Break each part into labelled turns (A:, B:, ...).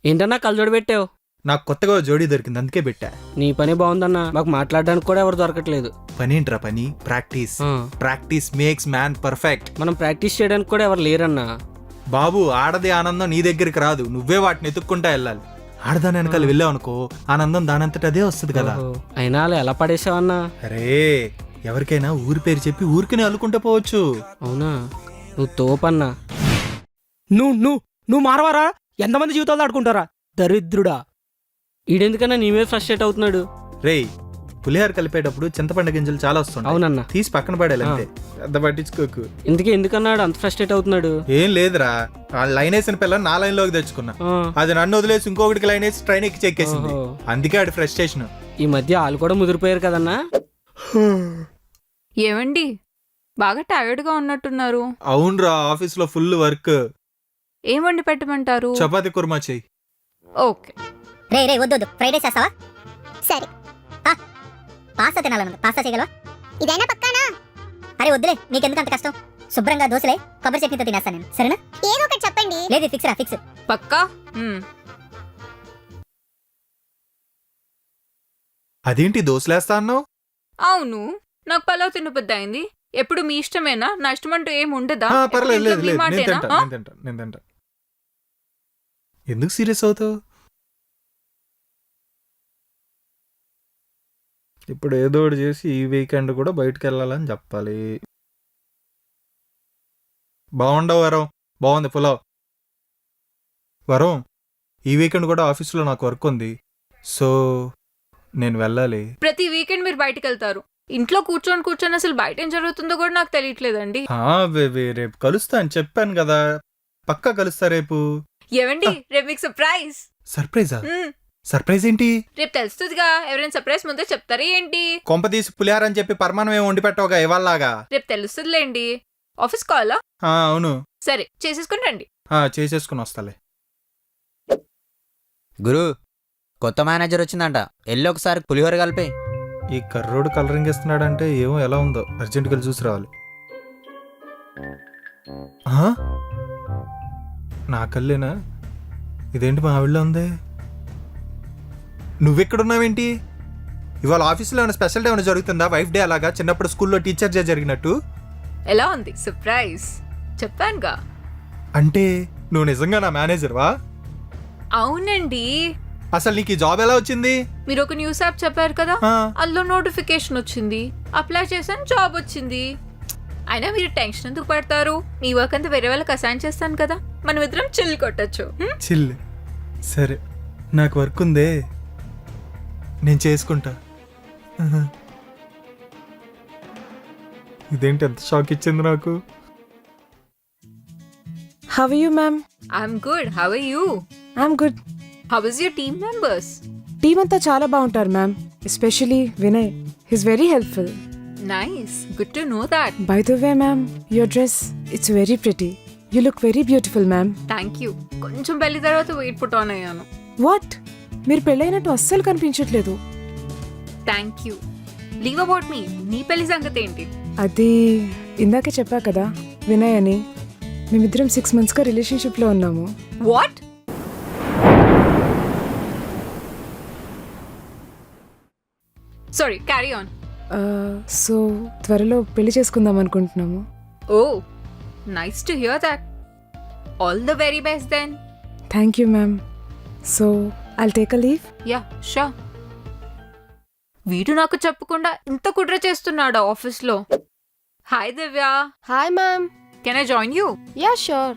A: ఏంటన్నా కళ్ళజోడు పెట్టావు?
B: నాకు కొత్తగా జోడీ దొరికింది అందుకే పెట్టా.
A: నీ పని బాగుందన్నా, మాకు మాట్లాడడానికి కూడా ఎవరు దొరకట్లేదు.
B: పని ఏంట్రా పని? Practice. Practice makes man perfect.
A: మనం ప్రాక్టీస్ చేయడానికి కూడా ఎవరు లేరన్నా.
B: బాబు, ఆడది ఆనందం నీ దగ్గరికి రాదు, నువ్వే వాటిని ఎత్తుక్కుంటా వెళ్ళాలి. ఆడదాని వెనకాల వెళ్ళావు అనుకో, ఆనందం దానంతట అదే వస్తుంది కదా.
A: అయినా అలా ఎలా పడేసావన్నా?
B: అరే, ఎవరికైనా ఊరి పేరు చెప్పి ఊరికనే అల్లుకుంటా పోవచ్చు.
A: అవునా? నువ్వు తోపన్నా.
C: నువ్వు మారవారా? ఎంతమంది జీవితాలు ఆడుకుంటారా దరిద్రుడా.
A: ఈడెందుకన్నా నీ మీద ఫ్రస్ట్రేట్ అవుతున్నాడు?
B: రేయ్, పులిహార కలిపేటప్పుడు చింతపండు గింజలు చాలా వస్తుంది.
A: అవునన్నా.
B: తీసి పక్కన పడేయాలి అంతే, పెద్ద పట్టించుకోకు.
A: ఇందుకే ఎందుకన్నాడు అంత ఫ్రస్ట్రేట్ అవుతున్నాడు?
B: ఏం లేదురా, ఆ లైన్ వేసిన పిల్లని నా లైన్ లోకి తెచ్చుకున్నా. అది నన్ను వదిలేసి ఇంకొకటికి లైన్ వేసి ట్రైన్ ఎక్కి చెక్కేసింది. అందుకే ఆడి ఫ్రస్ట్రేషన్.
A: ఈ మధ్య వాళ్ళు కూడా ముదిరిపోయారు కదన్నా.
D: ఏమండి, బాగా టైర్డ్ గా ఉన్నట్టున్నారు.
B: అవునరా, ఆఫీస్ లో ఫుల్ వర్క్.
D: ఏం వండి పెట్టమంటారు?
B: చపాతి కుర్మా చెయ్యి.
D: ఓకే.
E: రే వద్దు, ఫ్రైడ్ రైస్ చేస్తావా? సరే. పాస్తా తినాలన్నది, పాస్తా చేయగలవా? ఇదైనా పక్కానా? అరే వద్దులే, నీకెందుకు అంత కష్టం? శుభ్రంగా దోశలే కొబ్బరి చట్నీతో తినేస్తాను నేను, సరేనా? ఏదో ఒకటి చెప్పండి. లేదు, ఫిక్స్ రా, ఫిక్స్.
D: పక్కా?
B: అదేంటి దోశలేస్తా అన్నావు?
D: అవును, నాకు పలావ్ తినబుద్ధి అయింది. ఎప్పుడు మీ ఇష్టమేనా? నా ఇష్టం అంటూ ఏం ఉండదా?
B: పర్లేదు, లేదు
D: మీ
B: లేదు, నేను
D: మాటేనా?
B: తింటా. ఎందుకు సీరియస్ అవుతావు? ఇప్పుడు ఏదో ఒకటి చేసి ఈ వీకెండ్ కూడా బయటకు వెళ్ళాలని చెప్పాలి. బాగుండవు వరం, బాగుంది పులావ్. వరం, ఈ వీకెండ్ కూడా ఆఫీస్లో నాకు వర్క్ ఉంది, సో నేను వెళ్ళాలి.
D: ప్రతి వీకెండ్ మీరు బయటకు వెళ్తారు. ఇంట్లో కూర్చొని అసలు బయట ఏం జరుగుతుందో కూడా నాకు తెలియట్లేదండి.
B: రేపు కలుస్తా అని చెప్పాను కదా, పక్కా కలుస్తా రేపు.
D: ఏవండి, రేపు మీకు సర్ప్రైజ్.
B: సర్ప్రైజా? సర్ప్రైజ్ ఏంటి?
D: రేపు తెలుస్తుందిగా. ఎవరైనా సర్ప్రైజ్ ముందే చెప్తారా ఏంటి?
B: కొంపదీసి పులిహార అని చెప్పి పరమానం ఏమి వండి పెట్టవుగా ఇవాళలాగా.
D: రేపు తెలుస్తుందిలేండి. ఆఫీస్ కాలా?
B: అవును.
D: సరే, చేసేసుకుని రండి.
B: చేసేసుకుని వస్తాలే.
F: గురు, కొత్త మేనేజర్ వచ్చిందంట, ఎల్లు ఒకసారి పులిహోర కలిపే.
B: ఈ కర్రోడు కలరింగ్ ఇస్తున్నాడంటే ఏమో ఎలా ఉందో, అర్జెంట్ గా చూసి రావాలి. నా కల్లేనా? ఇదేంటి మా ఆవిడలో ఉంది? నువ్వెక్కడున్నావేంటి? ఇవాళ ఆఫీస్లో ఏమైనా స్పెషల్ డే ఏమైనా జరుగుతుందా? వైఫ్ డే అలాగా చిన్నప్పుడు స్కూల్లో టీచర్ డే జరిగినట్టు.
D: ఎలా ఉంది సర్ప్రైజ్? చెప్పానుగా.
B: అంటే నువ్వు నిజంగా నా మేనేజర్వా?
D: అవునండి.
B: అసలు నీకు ఈ జాబ్ ఎలా వచ్చింది?
D: మీరు ఒక న్యూస్ యాప్ చెప్పారు కదా, అందులో నోటిఫికేషన్ వచ్చింది, అప్లై చేశాను, జాబ్ వచ్చింది. అయినా మీరు టెన్షన్ ఎందుకు పడతారు? మీ వర్క్ అంతా వేరే వాళ్ళకి అసైన్ చేస్తాను కదా, మనం ఇద్దరం చిల్ కొట్టచ్చు.
B: చిల్? సరే, నాకు వర్క్ ఉందే, నేను చేసుకుంటా. ఇదేంటి ఎంత షాక్ ఇచ్చింది నాకు.
G: How are you, ma'am?
D: I'm good. How are you?
G: I'm good.
D: How is your team members?
G: Team అంతా చాలా బాగుంటారు ma'am, especially Vinay. He's very helpful.
D: Nice. Good to know that.
G: By the way, ma'am, your dress, it's very pretty. You look very beautiful, ma'am.
D: Thank you. కొంచెం పెళ్లి తర్వాత weight put on అయ్యాను.
G: What? మీరు పెళ్ళైనట్టు అస్సలు కనిపించట్లేదు.
D: Thank you. Leave about me. నీ పెళ్లి సంగతి ఏంటి?
G: అది ఇందాకే చెప్పా కదా, వినయ్ అని. మేమిద్దరం 6 monthsగా రిలేషన్షిప్లో ఉన్నాము.
D: What? Sorry, carry on.
G: So త్వరలో పెళ్లి చేసుకుందాం అనుకుంటున్నాము.
D: Oh, nice to hear that. All the very best then.
G: Thank you ma'am. So I'll take a leave.
D: Yeah, sure. వీడు నాకు చెప్పకుండా ఇంత కుట్ర చేస్తున్నాడా ఆఫీస్లో? Hi Divya.
H: Hi, ma'am.
D: Can I join you?
H: Yeah, sure.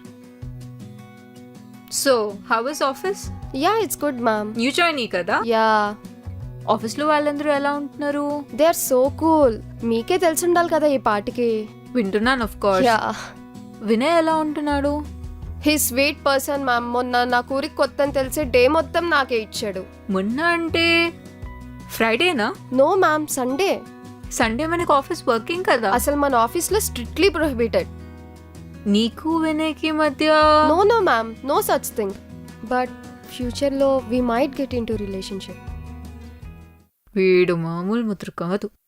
D: So how is office?
H: Yeah, it's good, ma'am.
D: New joinee కదా?
H: Yeah,
D: ఆఫీస్లో వాళ్ళందరూ ఎలా ఉంటున్నారు?
H: they are so cool. మీకే తెలిసి ఉండాలి కదా ఈ పాటికి.
D: వింటున్నాను, ఆఫ్ కోర్స్.
H: Yeah.
D: వినయ్ ఎలా ఉంటున్నాడు?
H: He sweet person ma'am. మొన్న నా ఊరికి కొత్త అని తెలిసి డే మొత్తం నాకే ఇచ్చాడు.
D: మొన్న అంటే ఫ్రైడేనా?
H: No ma'am, Sunday.
D: సండే మనకు ఆఫీస్ వర్కింగ్ కదా.
H: అసలు మన ఆఫీస్లో స్ట్రిక్ట్లీ ప్రొహిబిటెడ్.
D: నీకు వినయ్కి మధ్య?
H: No ma'am, no such thing. But ఫ్యూచర్లో we might get in to relationship.
D: వీడు మామూలు ముద్ర కాదు.